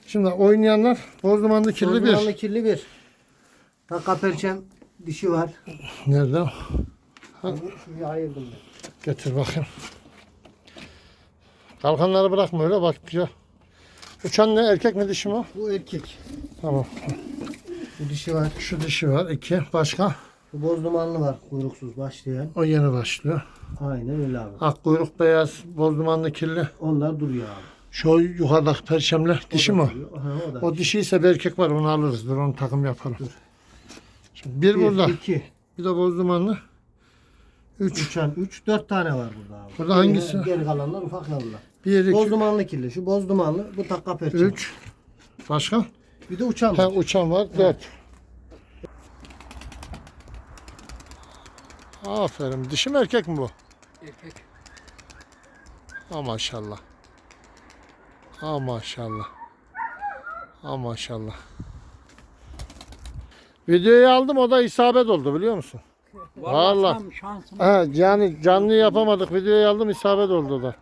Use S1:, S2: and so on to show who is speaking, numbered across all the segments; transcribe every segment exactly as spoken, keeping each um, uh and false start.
S1: Şimdi oynayanlar Bozdumanlı kirli bir.
S2: Bozdumanlı kirli bir. Takka perçem dişi var.
S1: Nerede?
S2: Ha. Şuraya ayırdım ben.
S1: Getir bakayım. Kalkanları bırakma öyle bak güzel. Uçan ne, erkek mi dişi mi o?
S2: Bu erkek.
S1: Tamam.
S2: Bu dişi var.
S1: Şu dişi var. iki. Başka?
S2: Bu bozdumanlı var. Kuyruksuz başlayan.
S1: O yeni başlıyor.
S2: Aynen öyle abi.
S1: Ak kuyruk beyaz, bozdumanlı kirli.
S2: Onlar duruyor abi.
S1: Şu yukarıdaki perçemli dişi mi o?
S2: Aha, o da.
S1: O dişi ise bir erkek var, onu alırız. Dur onu takım yapalım.
S2: Dur.
S1: Şimdi bir,
S2: Bir,
S1: burada.
S2: iki.
S1: Bir de bozdumanlı. Üç.
S2: Uçan üç, dört tane var burada abi.
S1: Burada hangisi?
S2: Geri, geri kalanlar ufak yavrular.
S1: Bir, iki,
S2: Bozdumanlı kirli. Şu bozdumanlı. Bu takka perçem.
S1: üç. Başka?
S2: Bir de uçan
S1: Ha,
S2: var.
S1: uçan var. Dört. Aferin. Dişi mi erkek mi bu?
S2: Erkek.
S1: Ha maşallah. Ha maşallah. Ha maşallah. Videoyu aldım, o da isabet oldu biliyor musun? Vallahi.
S3: Tam şansım.
S1: Ha, yani canlı yapamadık. Videoyu aldım, isabet oldu o da.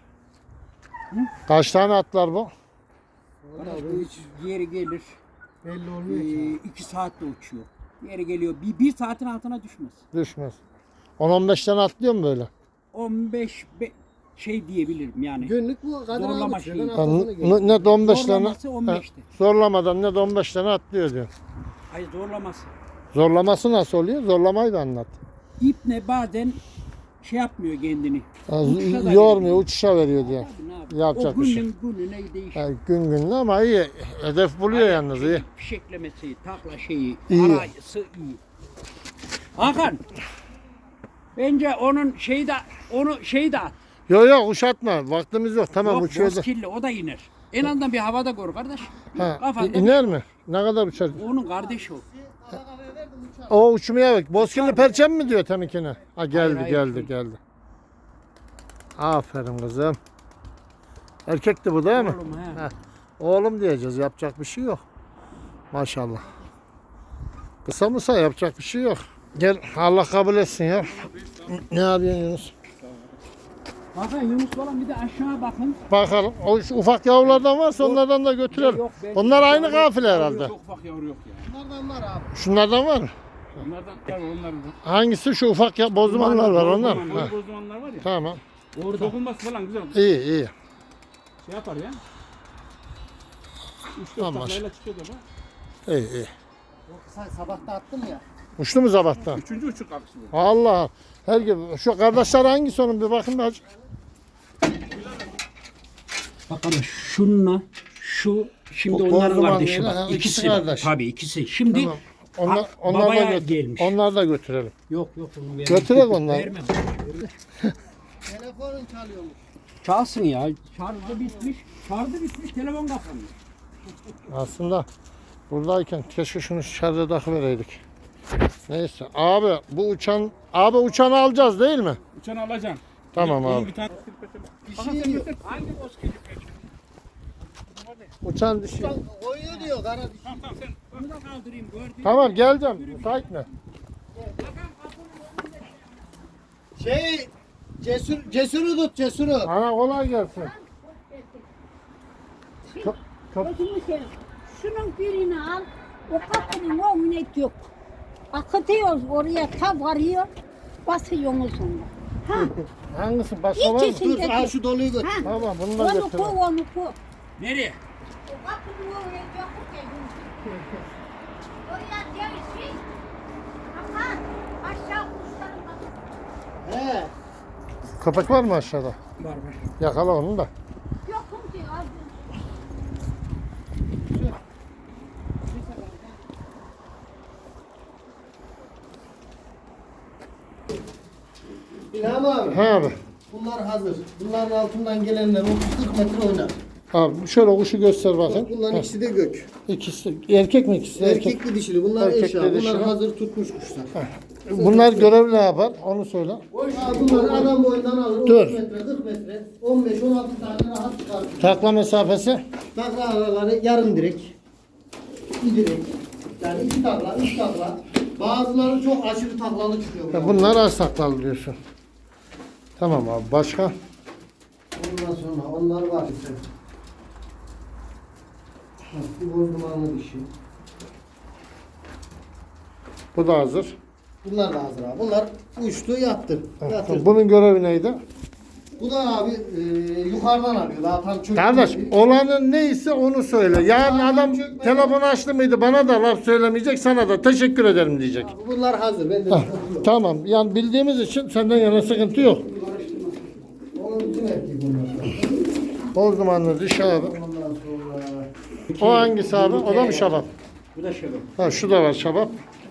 S1: Kaç tane atlar bu?
S3: Arkadaş bu hiç yeri gelir.
S2: Belli
S3: Ee,
S2: olmuyor ki.
S3: iki saatte uçuyor. Yeri geliyor. Bir, bir saatin altına düşmez.
S1: Düşmez. on on beş tane atlıyor mu böyle?
S3: on beş be, şey diyebilirim yani.
S2: Günlük bu kadar
S3: Zorlama
S2: aldık.
S3: şeyi.
S2: Ben
S1: Ha,
S2: haftasını görüyorum.
S1: ne, ne de on beş tane.
S3: Zorlaması on
S1: Ha,
S3: beşti.
S1: zorlamadan ne de on beş tane atlıyor diyor.
S3: Hayır zorlaması.
S1: Zorlaması nasıl oluyor? Zorlamayı da anlat.
S3: İp ne bazen şey yapmıyor kendini.
S1: Ha,
S3: Uçuşa da
S1: yormuyor,
S3: veriyor.
S1: uçuşa veriyor diyor.
S3: Tabii, ne yapayım?
S1: Yapacak
S3: o
S1: bir şey.
S3: günün gününe değişiyor.
S1: Ha, gün gününe ama iyi. Hedef buluyor yalnız iyi.
S3: Fişeklemesi, takla şeyi,
S1: İyi.
S3: arayısı iyi. Hakan. Bence onun şeyi de onu şeyi de at.
S1: Yok yok uşatma. Vaktimiz yok. Tamam
S3: Yok,
S1: uçuyor da.
S3: bozkirli o da iner. En azından bir havada gör kardeş.
S1: Ha,
S3: Kafanda
S1: iner mi? Ne kadar uçar?
S3: onun kardeşi o.
S1: O uçmaya bak. Bozkirli perçem mi diyor temikine? Ha geldi
S3: hayır,
S1: geldi
S3: değil.
S1: geldi. Aferin kızım. Erkekti bu değil mi?
S3: Oğlum, he.
S1: Heh. Oğlum diyeceğiz. Yapacak bir şey yok. Maşallah. Kısa mısa yapacak bir şey yok. Gel Allah kabul etsin ya. Ne yapıyorsun Yunus?
S3: Bakın Yunus falan bir de aşağı bakın.
S1: Bakalım. O şu ufak yavrulardan varsa onlardan da götürelim.
S3: Yok, ben-
S1: Onlar aynı kafile herhalde.
S4: Çok ufak yavru yok ya.
S2: Bunlardan var abi.
S1: Şunlardan var mı?
S4: Onlardan tabii onlardan.
S1: Hangisi şu ufak ya bozdumanlar var onlar mı? Ha,
S4: Boz bozulanlar var ya.
S1: tamam.
S4: Orada. Dokunması falan güzel.
S1: İyi iyi.
S4: Şey yapar ya. Üç dört
S1: Tamam.
S4: taklayla çıkıyor da bu.
S1: İyi iyi.
S2: Sen sabahta attım ya.
S1: Uçtu mu sabahtan?
S4: Üçüncü uçuk kalkışı bu.
S1: Allah. Her gibi. Şu kardeşler hangisi onun bir bakın bir acı.
S3: Bak kardeş şununla şu şimdi
S1: O
S3: onların
S1: Bozduman
S3: kardeşi
S1: değil,
S3: bak.
S1: ha, ikisi
S3: İkisi
S1: kardeş.
S3: tabii ikisi. Şimdi
S1: Tamam. Onlar,
S3: Ha,
S1: onlar da
S3: babaya
S1: götür-
S3: gelmiş.
S1: onlar da götürelim.
S3: yok yok onu vermem.
S1: Götürek onları.
S3: Vermem.
S2: Telefonun çalıyormuş.
S3: Çalsın ya. Şarjı bitmiş. Şarjı bitmiş. Telefon kapanmış.
S1: Aslında buradayken keşke şunu şarja takıvereydik. Neyse. Abi bu uçan abi uçanı alacağız değil mi?
S4: Uçanı alacaksın.
S1: Tamam
S4: İyi- iyi
S1: abi.
S4: Bir tane.
S2: Bir şey yok.
S3: Hangi bozkırı?
S1: Uçan dişi.
S2: Oynuyor diyor kara dişi.
S4: Tamam tamam sen.
S3: Onu da kaldırayım. Gördün.
S1: Tamam geleceğim. Müsait mi?
S2: Şey cesur cesuru tut cesuru.
S1: Ana kolay gelsin. Çok, çok.
S5: Gözümü seveyim. Şunun birini al, o kapının önüne dök. Akıtıyoruz oraya, ta varıyor, basıyorsunuz onu. Ha,
S1: Hangisi? Başka var mı?
S5: İkisini
S2: Dur
S5: de
S2: al
S5: dök.
S2: şu doluyu götür.
S5: Ha,
S1: Tamam bunu da
S5: onu
S1: götürelim.
S5: koy, onu koy.
S3: Nereye?
S5: O kapının önüne dök. Oraya ceviz. Ama aşağı kuşların bak.
S2: He.
S1: Köpek var mı aşağıda?
S3: Var var.
S1: Yakala onu da.
S5: Yokum diyor abi.
S2: İlham abi.
S1: He abi.
S2: Bunlar hazır. Bunların altından gelenler otuz kırk metre oynar.
S1: Abi şöyle kuşu göster bakın.
S2: Bunların
S1: Heh.
S2: ikisi de gök.
S1: İkisi erkek mi ikisi? de Erkek.
S2: Erkekli dişili. Bunlar
S1: Erkekli
S2: eşya. Bunlar
S1: dişili.
S2: hazır tutmuş kuşlar.
S1: Bunlar görev ne yapar? Onu söyle.
S2: Ha, bunları adam boyundan alır.
S1: Dur.
S2: otuz metre, kırk metre, on beş on altı tane rahat çıkar.
S1: Takla mesafesi.
S2: Takla araları yarım direk. Bir direk. Yani iki takla, üç takla. Bazıları çok aşırı taklalı çıkıyor.
S1: Ya bunlar az taklalı diyorsun. Tamam abi. Başka?
S2: Ondan sonra onlar var işte. Bu boz dumanlı dişi.
S1: Bu da hazır.
S2: Bunlar da hazır abi. Bunlar uçtu yattı. Yatırdı.
S1: Bunun görevi neydi?
S2: Bu da abi e, yukarıdan alıyor. Daha tam çökmedi.
S1: Kardeş olanın neyse onu söyle. Yarın
S2: Yukarıdan
S1: adam
S2: çökmedi.
S1: telefon açtı mıydı bana da laf söylemeyecek, sana da teşekkür ederim diyecek.
S2: Abi bunlar hazır. Ben de
S1: Hah, tamam. Yani bildiğimiz için senden yana sıkıntı yok.
S2: onun bütün erkeği bunlar.
S1: Boz dumanlı dişi abi.
S2: Ondan sonra
S1: O hangisi abi? O da mı şabap?
S3: Bu da şöyle.
S1: Ha şu da var şabap.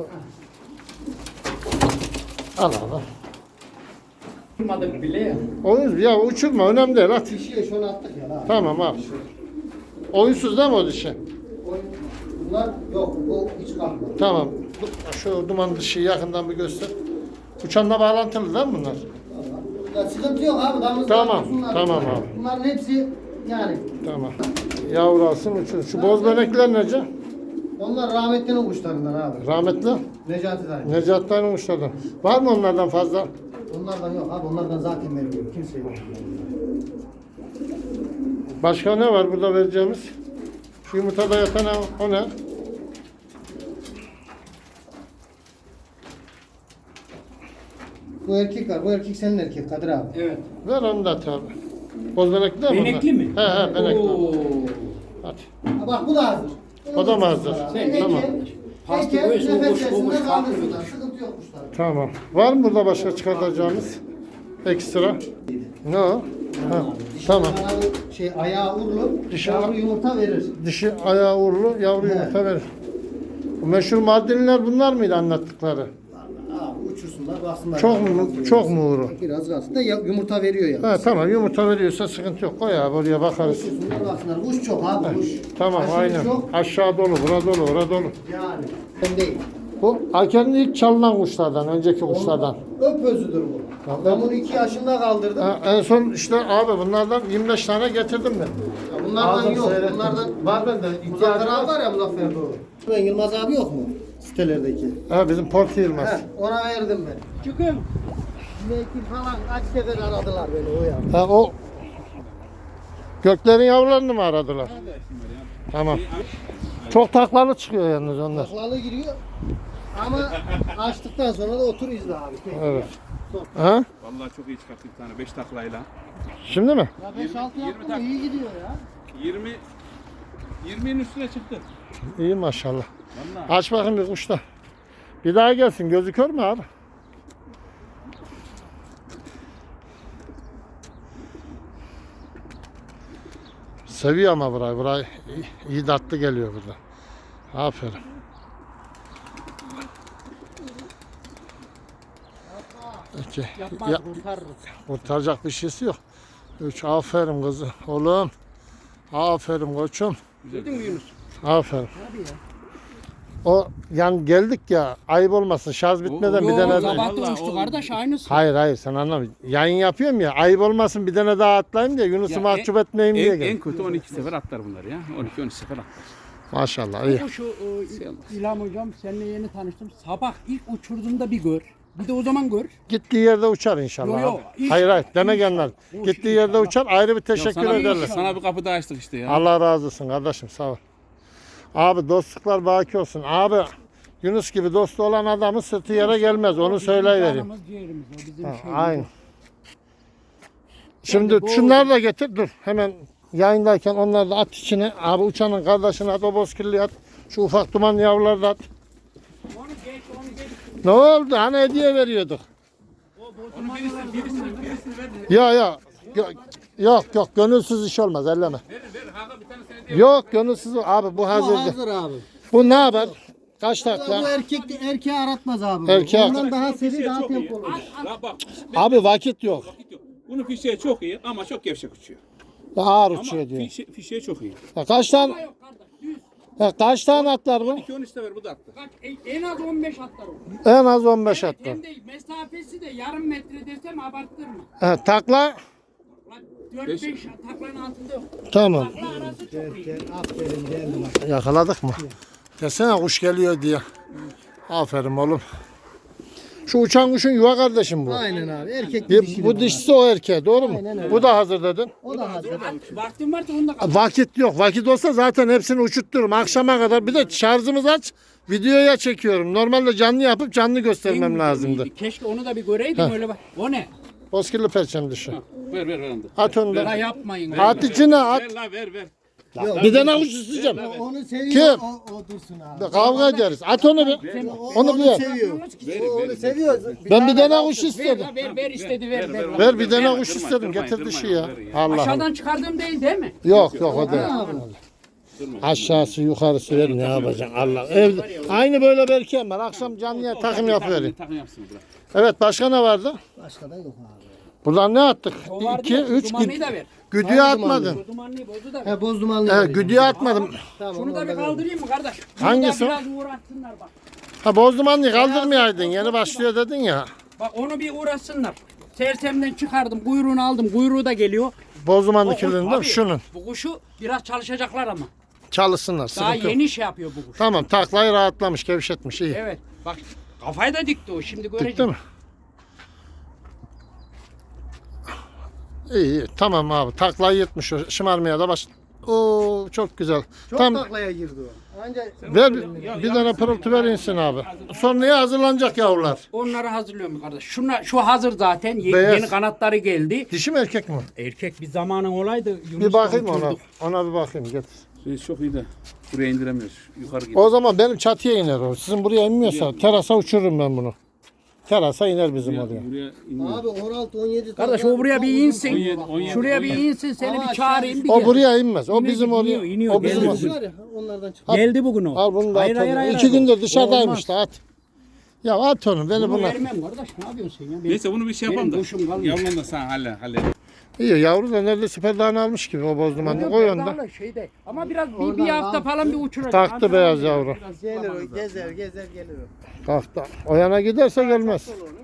S1: Al abi.
S3: Durmadık bile ya.
S1: Oyun ya uçurma önemli değil at.
S2: dişiye şunu attık ya. Abi.
S1: Tamam abi. Oyunsuz değil mi o dişi?
S2: O- Bunlar yok. O hiç kalkmadı.
S1: Tamam. Şu duman dişi yakından bir göster. Uçanla bağlantılı değil mi bunlar?
S2: Ya sıkıntı yok abi. Damızlar
S1: Tamam,
S2: dursunlar.
S1: tamam abi.
S2: Bunların hepsi yani.
S1: Tamam. Yavru alsın uçur. Şu boz benekler nece?
S2: Onlar rahmetlinin kuşlarından abi.
S1: Rahmetli.
S2: Necati dayı.
S1: Necat Dayı'nın uçlardan. Var mı onlardan fazla?
S2: Onlardan yok abi. Onlardan zaten vermiyor. Kimse yok.
S1: Başka ne var burada vereceğimiz? Şu yumurtada yatan o- o ne?
S2: Bu erkek var. Bu erkek senin erkek Kadir abi.
S3: Evet.
S1: Ver onu da at abi. Boz benekli değil mi
S3: Benekli
S1: onlar?
S3: mi?
S1: He he benekli.
S3: Oo.
S1: Hadi.
S2: Ha bak bu da hazır.
S1: O da mı hazır?
S2: Eke,
S1: Tamam.
S3: Pastı
S2: eke,
S3: koy, soğumuş,
S2: nefes
S3: soğumuş,
S2: sesinde
S3: farklı
S2: kaldırsınlar. Sıkıntı yok kuşlar.
S1: Tamam. Var mı burada başka çıkartacağımız? Ekstra. Ne o? Ha, tamam.
S2: Kanadı şey ayağı uğurlu,
S1: Dişi-
S2: yavru yumurta verir.
S1: Dişi ayağı uğurlu, yavru
S2: He.
S1: yumurta verir. Bu meşhur Mardinliler bunlar mıydı anlattıkları?
S2: Abi uçursunlar baksınlar.
S1: Çok mu çok mu uğru?
S2: Biraz kalsın da ya- yumurta veriyor ya.
S1: Ha tamam yumurta veriyorsa sıkıntı yok. Koy abi oraya bakarız.
S2: Uçursunlar baksınlar. Kuş çok abi kuş.
S1: Tamam
S2: Aşırı
S1: aynen.
S2: Çok
S1: Aşağı dolu, bura dolu, bura dolu.
S2: yani. Ben değil.
S1: Bu Aker'in ilk çalınan kuşlardan, önceki kuşlardan.
S2: Öp özüdür bu. Ben bunu iki yaşında kaldırdım.
S1: Ha, en son işte abi bunlardan yirmi beş tane getirdim ben.
S2: Ya bunlardan
S1: Aldım,
S2: yok.
S1: seyrettim.
S2: Bunlardan
S1: Var bende.
S2: Muzaffer abi var ya Muzaffer doğru. Ben Yılmaz abi yok mu? Sitelerdeki.
S1: Ha bizim Porti Yılmaz.
S2: He, ona verdim ben.
S3: Çıkın.
S2: Belki falan kaç sefer aradılar beni o ya.
S1: Ha o göklerin yavrularını mı aradılar? Tamam. Çok taklalı çıkıyor yalnız onlar.
S2: Taklalı giriyor. Ama açtıktan sonra da otur izle abi.
S1: Evet. Ha?
S4: Vallahi çok iyi çıkarttı bir tane beş taklayla.
S1: Şimdi mi?
S2: Ya beş altı
S4: yirmi
S2: yaptım
S4: tak-
S2: iyi gidiyor ya.
S4: yirmi yirminin üstüne çıktı.
S1: İyi maşallah.
S4: Vallahi.
S1: Aç bakayım bir kuş da. Bir daha gelsin. Gözü kör mü abi? Seviyor ama burayı. Burayı iyi, iyi tatlı geliyor burada. Aferin. İki.
S2: Yapmaz
S1: Ya,
S2: kurtarırız.
S1: kurtaracak bir şeysi yok. Üç. Aferin kızı. Oğlum. Aferin koçum.
S3: Duydun mu Yunus?
S1: Aferin. O yani geldik ya ayıp olmasın şarj bitmeden bir tane daha.
S3: Sabah da
S4: Vallahi
S3: uçtu
S4: o-
S3: kardeş aynısı.
S1: Hayır hayır sen anlamıyorsun. Yayın yapıyorum ya ayıp olmasın bir tane daha atlayayım diye Yunus'u
S4: Ya
S1: mahcup etmeyeyim diye
S4: En, en
S1: geldim.
S4: kötü on iki sefer atlar bunlar ya. on iki on üç sefer atlar.
S1: Maşallah iyi.
S3: Bu şu e, İlham hocam seninle yeni tanıştım. Sabah ilk uçurduğumda bir gör. Bir de o zaman gör.
S1: Gittiği yerde uçar inşallah.
S3: Yo, yo,
S1: abi.
S3: hiç-
S1: hayır hayır demek
S3: hiç-
S1: yanlar.
S3: hiç-
S1: Gittiği yerde
S3: inşallah.
S1: uçar ayrı bir
S4: Ya
S1: teşekkür
S4: sana,
S1: ederler.
S4: sana bir kapı daha açtık işte ya.
S1: Allah razı olsun kardeşim sağ ol. Abi dostluklar baki olsun. Abi Yunus gibi dostu olan adamın sırtı yere gelmez onu söyleyivereyim.
S3: Canımız ciğerimiz o bizim
S1: Ha,
S3: şeyimiz.
S1: Aynen. Şimdi
S3: bu-
S1: şunları da getir dur. Hemen yayındayken onları da at içine. Abi uçanın kardeşine at, o bozkirliği at. Şu ufak duman yavruları da at.
S3: Onu geç onu geç.
S1: Ne oldu? Hani hediye veriyorduk.
S4: Onun birisini, birisini, birisini ver.
S1: Ya ya. Yok yok, yok gönülsüz iş olmaz elleme.
S4: Verin verin. Hakan bir tane seni diye.
S1: Yok gönülsüz abi bu
S2: Bu
S1: hazır.
S2: hazır abi.
S1: Bu ne haber? Kaç
S2: Bu
S1: takla?
S2: erkek erkeği aratmaz abi. bu.
S1: Erkeği
S2: Ondan daha seri
S4: Fişeği
S2: daha
S4: çok iyi.
S2: tempolu.
S4: La bak.
S1: Abi vakit yok.
S4: Vakit yok. Bunun fişeği çok iyi ama çok gevşek uçuyor.
S1: Ağır
S4: Ama
S1: uçuyor diyor.
S4: fişe, fişeği çok iyi.
S1: Ya kaç tane
S3: Yok kardeş düz.
S1: ya kaç tane atlar bu?
S4: iki on üç sefer bu da attı.
S3: Kaç en- en az on beş atlar o.
S1: En az on beş atlar.
S3: Hem de mesafesi de yarım metre desem abarttırma.
S1: Ha, takla
S3: Lan dört
S4: Beş-
S3: beş taklanın altında yok.
S1: tamam.
S3: Takla arası çok iyi.
S2: Gel aferin geldim.
S1: Yakaladık mı? Desene kuş geliyor diye. Aferin oğlum. Şu uçan kuşun yuva kardeşim bu.
S2: Aynen abi. Erkek
S1: Bir-
S2: dişili
S1: bu
S2: bunlar.
S1: dişisi o erkeğe doğru mu?
S2: Aynen öyle.
S1: Bu da hazır dedin.
S2: O da hazır.
S3: Vaktin varsa onu da kal.
S1: Vakit yok. Vakit olsa zaten hepsini uçuttururum. Akşama kadar. Bir de şarjımız aç. Videoya çekiyorum. Normalde canlı yapıp canlı göstermem lazımdı.
S3: Keşke onu da bir göreydim öyle bak. O ne?
S1: Bozkirli perçem dişi.
S4: Ver ver ver. onu da.
S1: At onu
S3: La
S1: da.
S3: yapmayın.
S1: At içine at.
S4: Ver la ver ver.
S1: Bir tane kuş isteyeceğim.
S2: Onu seviyor.
S1: Kim?
S2: O, o dursun abi.
S1: Kavga ederiz. At onu bir.
S2: O,
S1: Onu bir ye.
S2: seviyor. O onu seviyor.
S1: Ben bir tane kuş
S3: Ver
S1: istedim.
S3: la ver ver istedi ver ver.
S1: Ver bir tane
S4: Durma,
S1: kuş
S4: durma,
S1: istedim.
S4: durma,
S1: Getir
S4: durma,
S1: dişi ya.
S4: ver ya.
S1: Allah Allah.
S3: Aşağıdan çıkardığım değil değil mi?
S1: Yok yok o değil. Aşağısı yukarısı ver ne yapacaksın Allah. Evde aynı böyle berkem var. Akşam canlıya takım yapıverin.
S4: Takım yapsın bırak.
S1: Evet başka ne vardı?
S2: Başka da yok abi.
S1: Buradan ne attık?
S3: O vardı
S1: iki,
S3: ya,
S1: üç
S3: dumanlıyı da ver.
S1: güdüye atmadın.
S3: O dumanlıyı bozu da ver.
S2: He boz dumanlı.
S1: Evet,
S2: vereceğim.
S1: güdüye atmadım.
S2: Tamam,
S3: Şunu da
S2: onu
S3: bir
S2: da
S3: kaldırayım mı kardeş? Şunu
S1: Hangisi
S3: da
S1: o?
S3: biraz uğraşsınlar bak.
S1: Ha bozdumanlıyı kaldırmayaydın. Yeni başlıyor dedin ya.
S3: Bak onu bir uğraşsınlar. Sersemden çıkardım, kuyruğunu aldım. Kuyruğu da geliyor.
S1: Bozdumanlı
S3: O- o-
S1: kirliliğinde
S3: tabii,
S1: şunun.
S3: Bu kuşu biraz çalışacaklar ama.
S1: Çalışsınlar.
S3: Daha
S1: Sıkıntı yok.
S3: yeni şey yapıyor bu kuş.
S1: Tamam taklayı rahatlamış, gevşetmiş iyi.
S3: Evet. Bak kafayı da dikti o. Şimdi göreceğim.
S1: Dikti mi? İyi, iyi tamam abi taklayı yırtmış o şımarmaya da baş. Oo çok güzel.
S2: Çok
S1: Tam
S2: taklaya girdi o. Anca
S1: ver bir, bir tane pırıltı ver insin abi. Sonraya hazırlanacak yavrular.
S3: Onları hazırlıyorum kardeş. Şuna, şu hazır zaten. Ye-
S1: Beyaz.
S3: Yeni kanatları geldi.
S1: Dişi mi erkek mi?
S3: Erkek bir zamanın olaydı.
S1: Bir
S3: Yunus'la
S1: bakayım ona.
S3: uçurduk.
S1: Ona bir bakayım getir.
S4: Şey çok iyi de. Buraya indiremiyoruz. Yukarı gidiyor.
S1: O zaman benim çatıya iner o. Sizin buraya inmiyorsa terasa uçururum ben bunu. Terasa iner bizim oraya.
S4: Buraya inmiyor.
S2: abi on altı on yedi
S3: Kardeş o buraya bir insin.
S4: on yedi, on yedi,
S3: Şuraya
S4: on
S3: bir
S4: yedi.
S3: insin seni
S2: Ama
S3: bir çağırayım bir
S1: O
S3: gel.
S1: buraya inmez. O
S3: İniyor,
S1: bizim
S3: iniyor,
S1: oraya.
S3: iniyor,
S1: O bizim
S3: geldi
S1: oraya.
S2: var ya onlardan çık.
S3: Geldi bugün o.
S1: Al bunu da
S3: Hayır,
S1: at
S3: hayır,
S1: onu.
S3: hayır,
S1: İki
S3: hayır.
S1: gündür dışarıdaymış
S3: Olmaz.
S1: da at. Ya at onu beni
S3: Bunu
S1: buna.
S3: vermem kardeş ne yapıyorsun sen ya? Benim-
S4: Neyse bunu bir şey yapalım da.
S3: Benim kuşum kalmıyor.
S4: Yavrulan da sen halle halle.
S1: İyi yavru da neredeyse perdağını almış gibi o bozdumanı. Koy onu da.
S3: Bedava Şeyde. Ama biraz bir,
S2: Oradan
S3: bir hafta
S2: al.
S3: falan bir uçuracak.
S1: Taktı
S3: Antrenman
S1: beyaz
S3: yapacak.
S1: yavru.
S3: Biraz
S2: Gelir o
S3: kullanmanız lazım.
S2: gezer gezer gelir o.
S1: Kalktı. O yana giderse gelmez.
S2: Olur,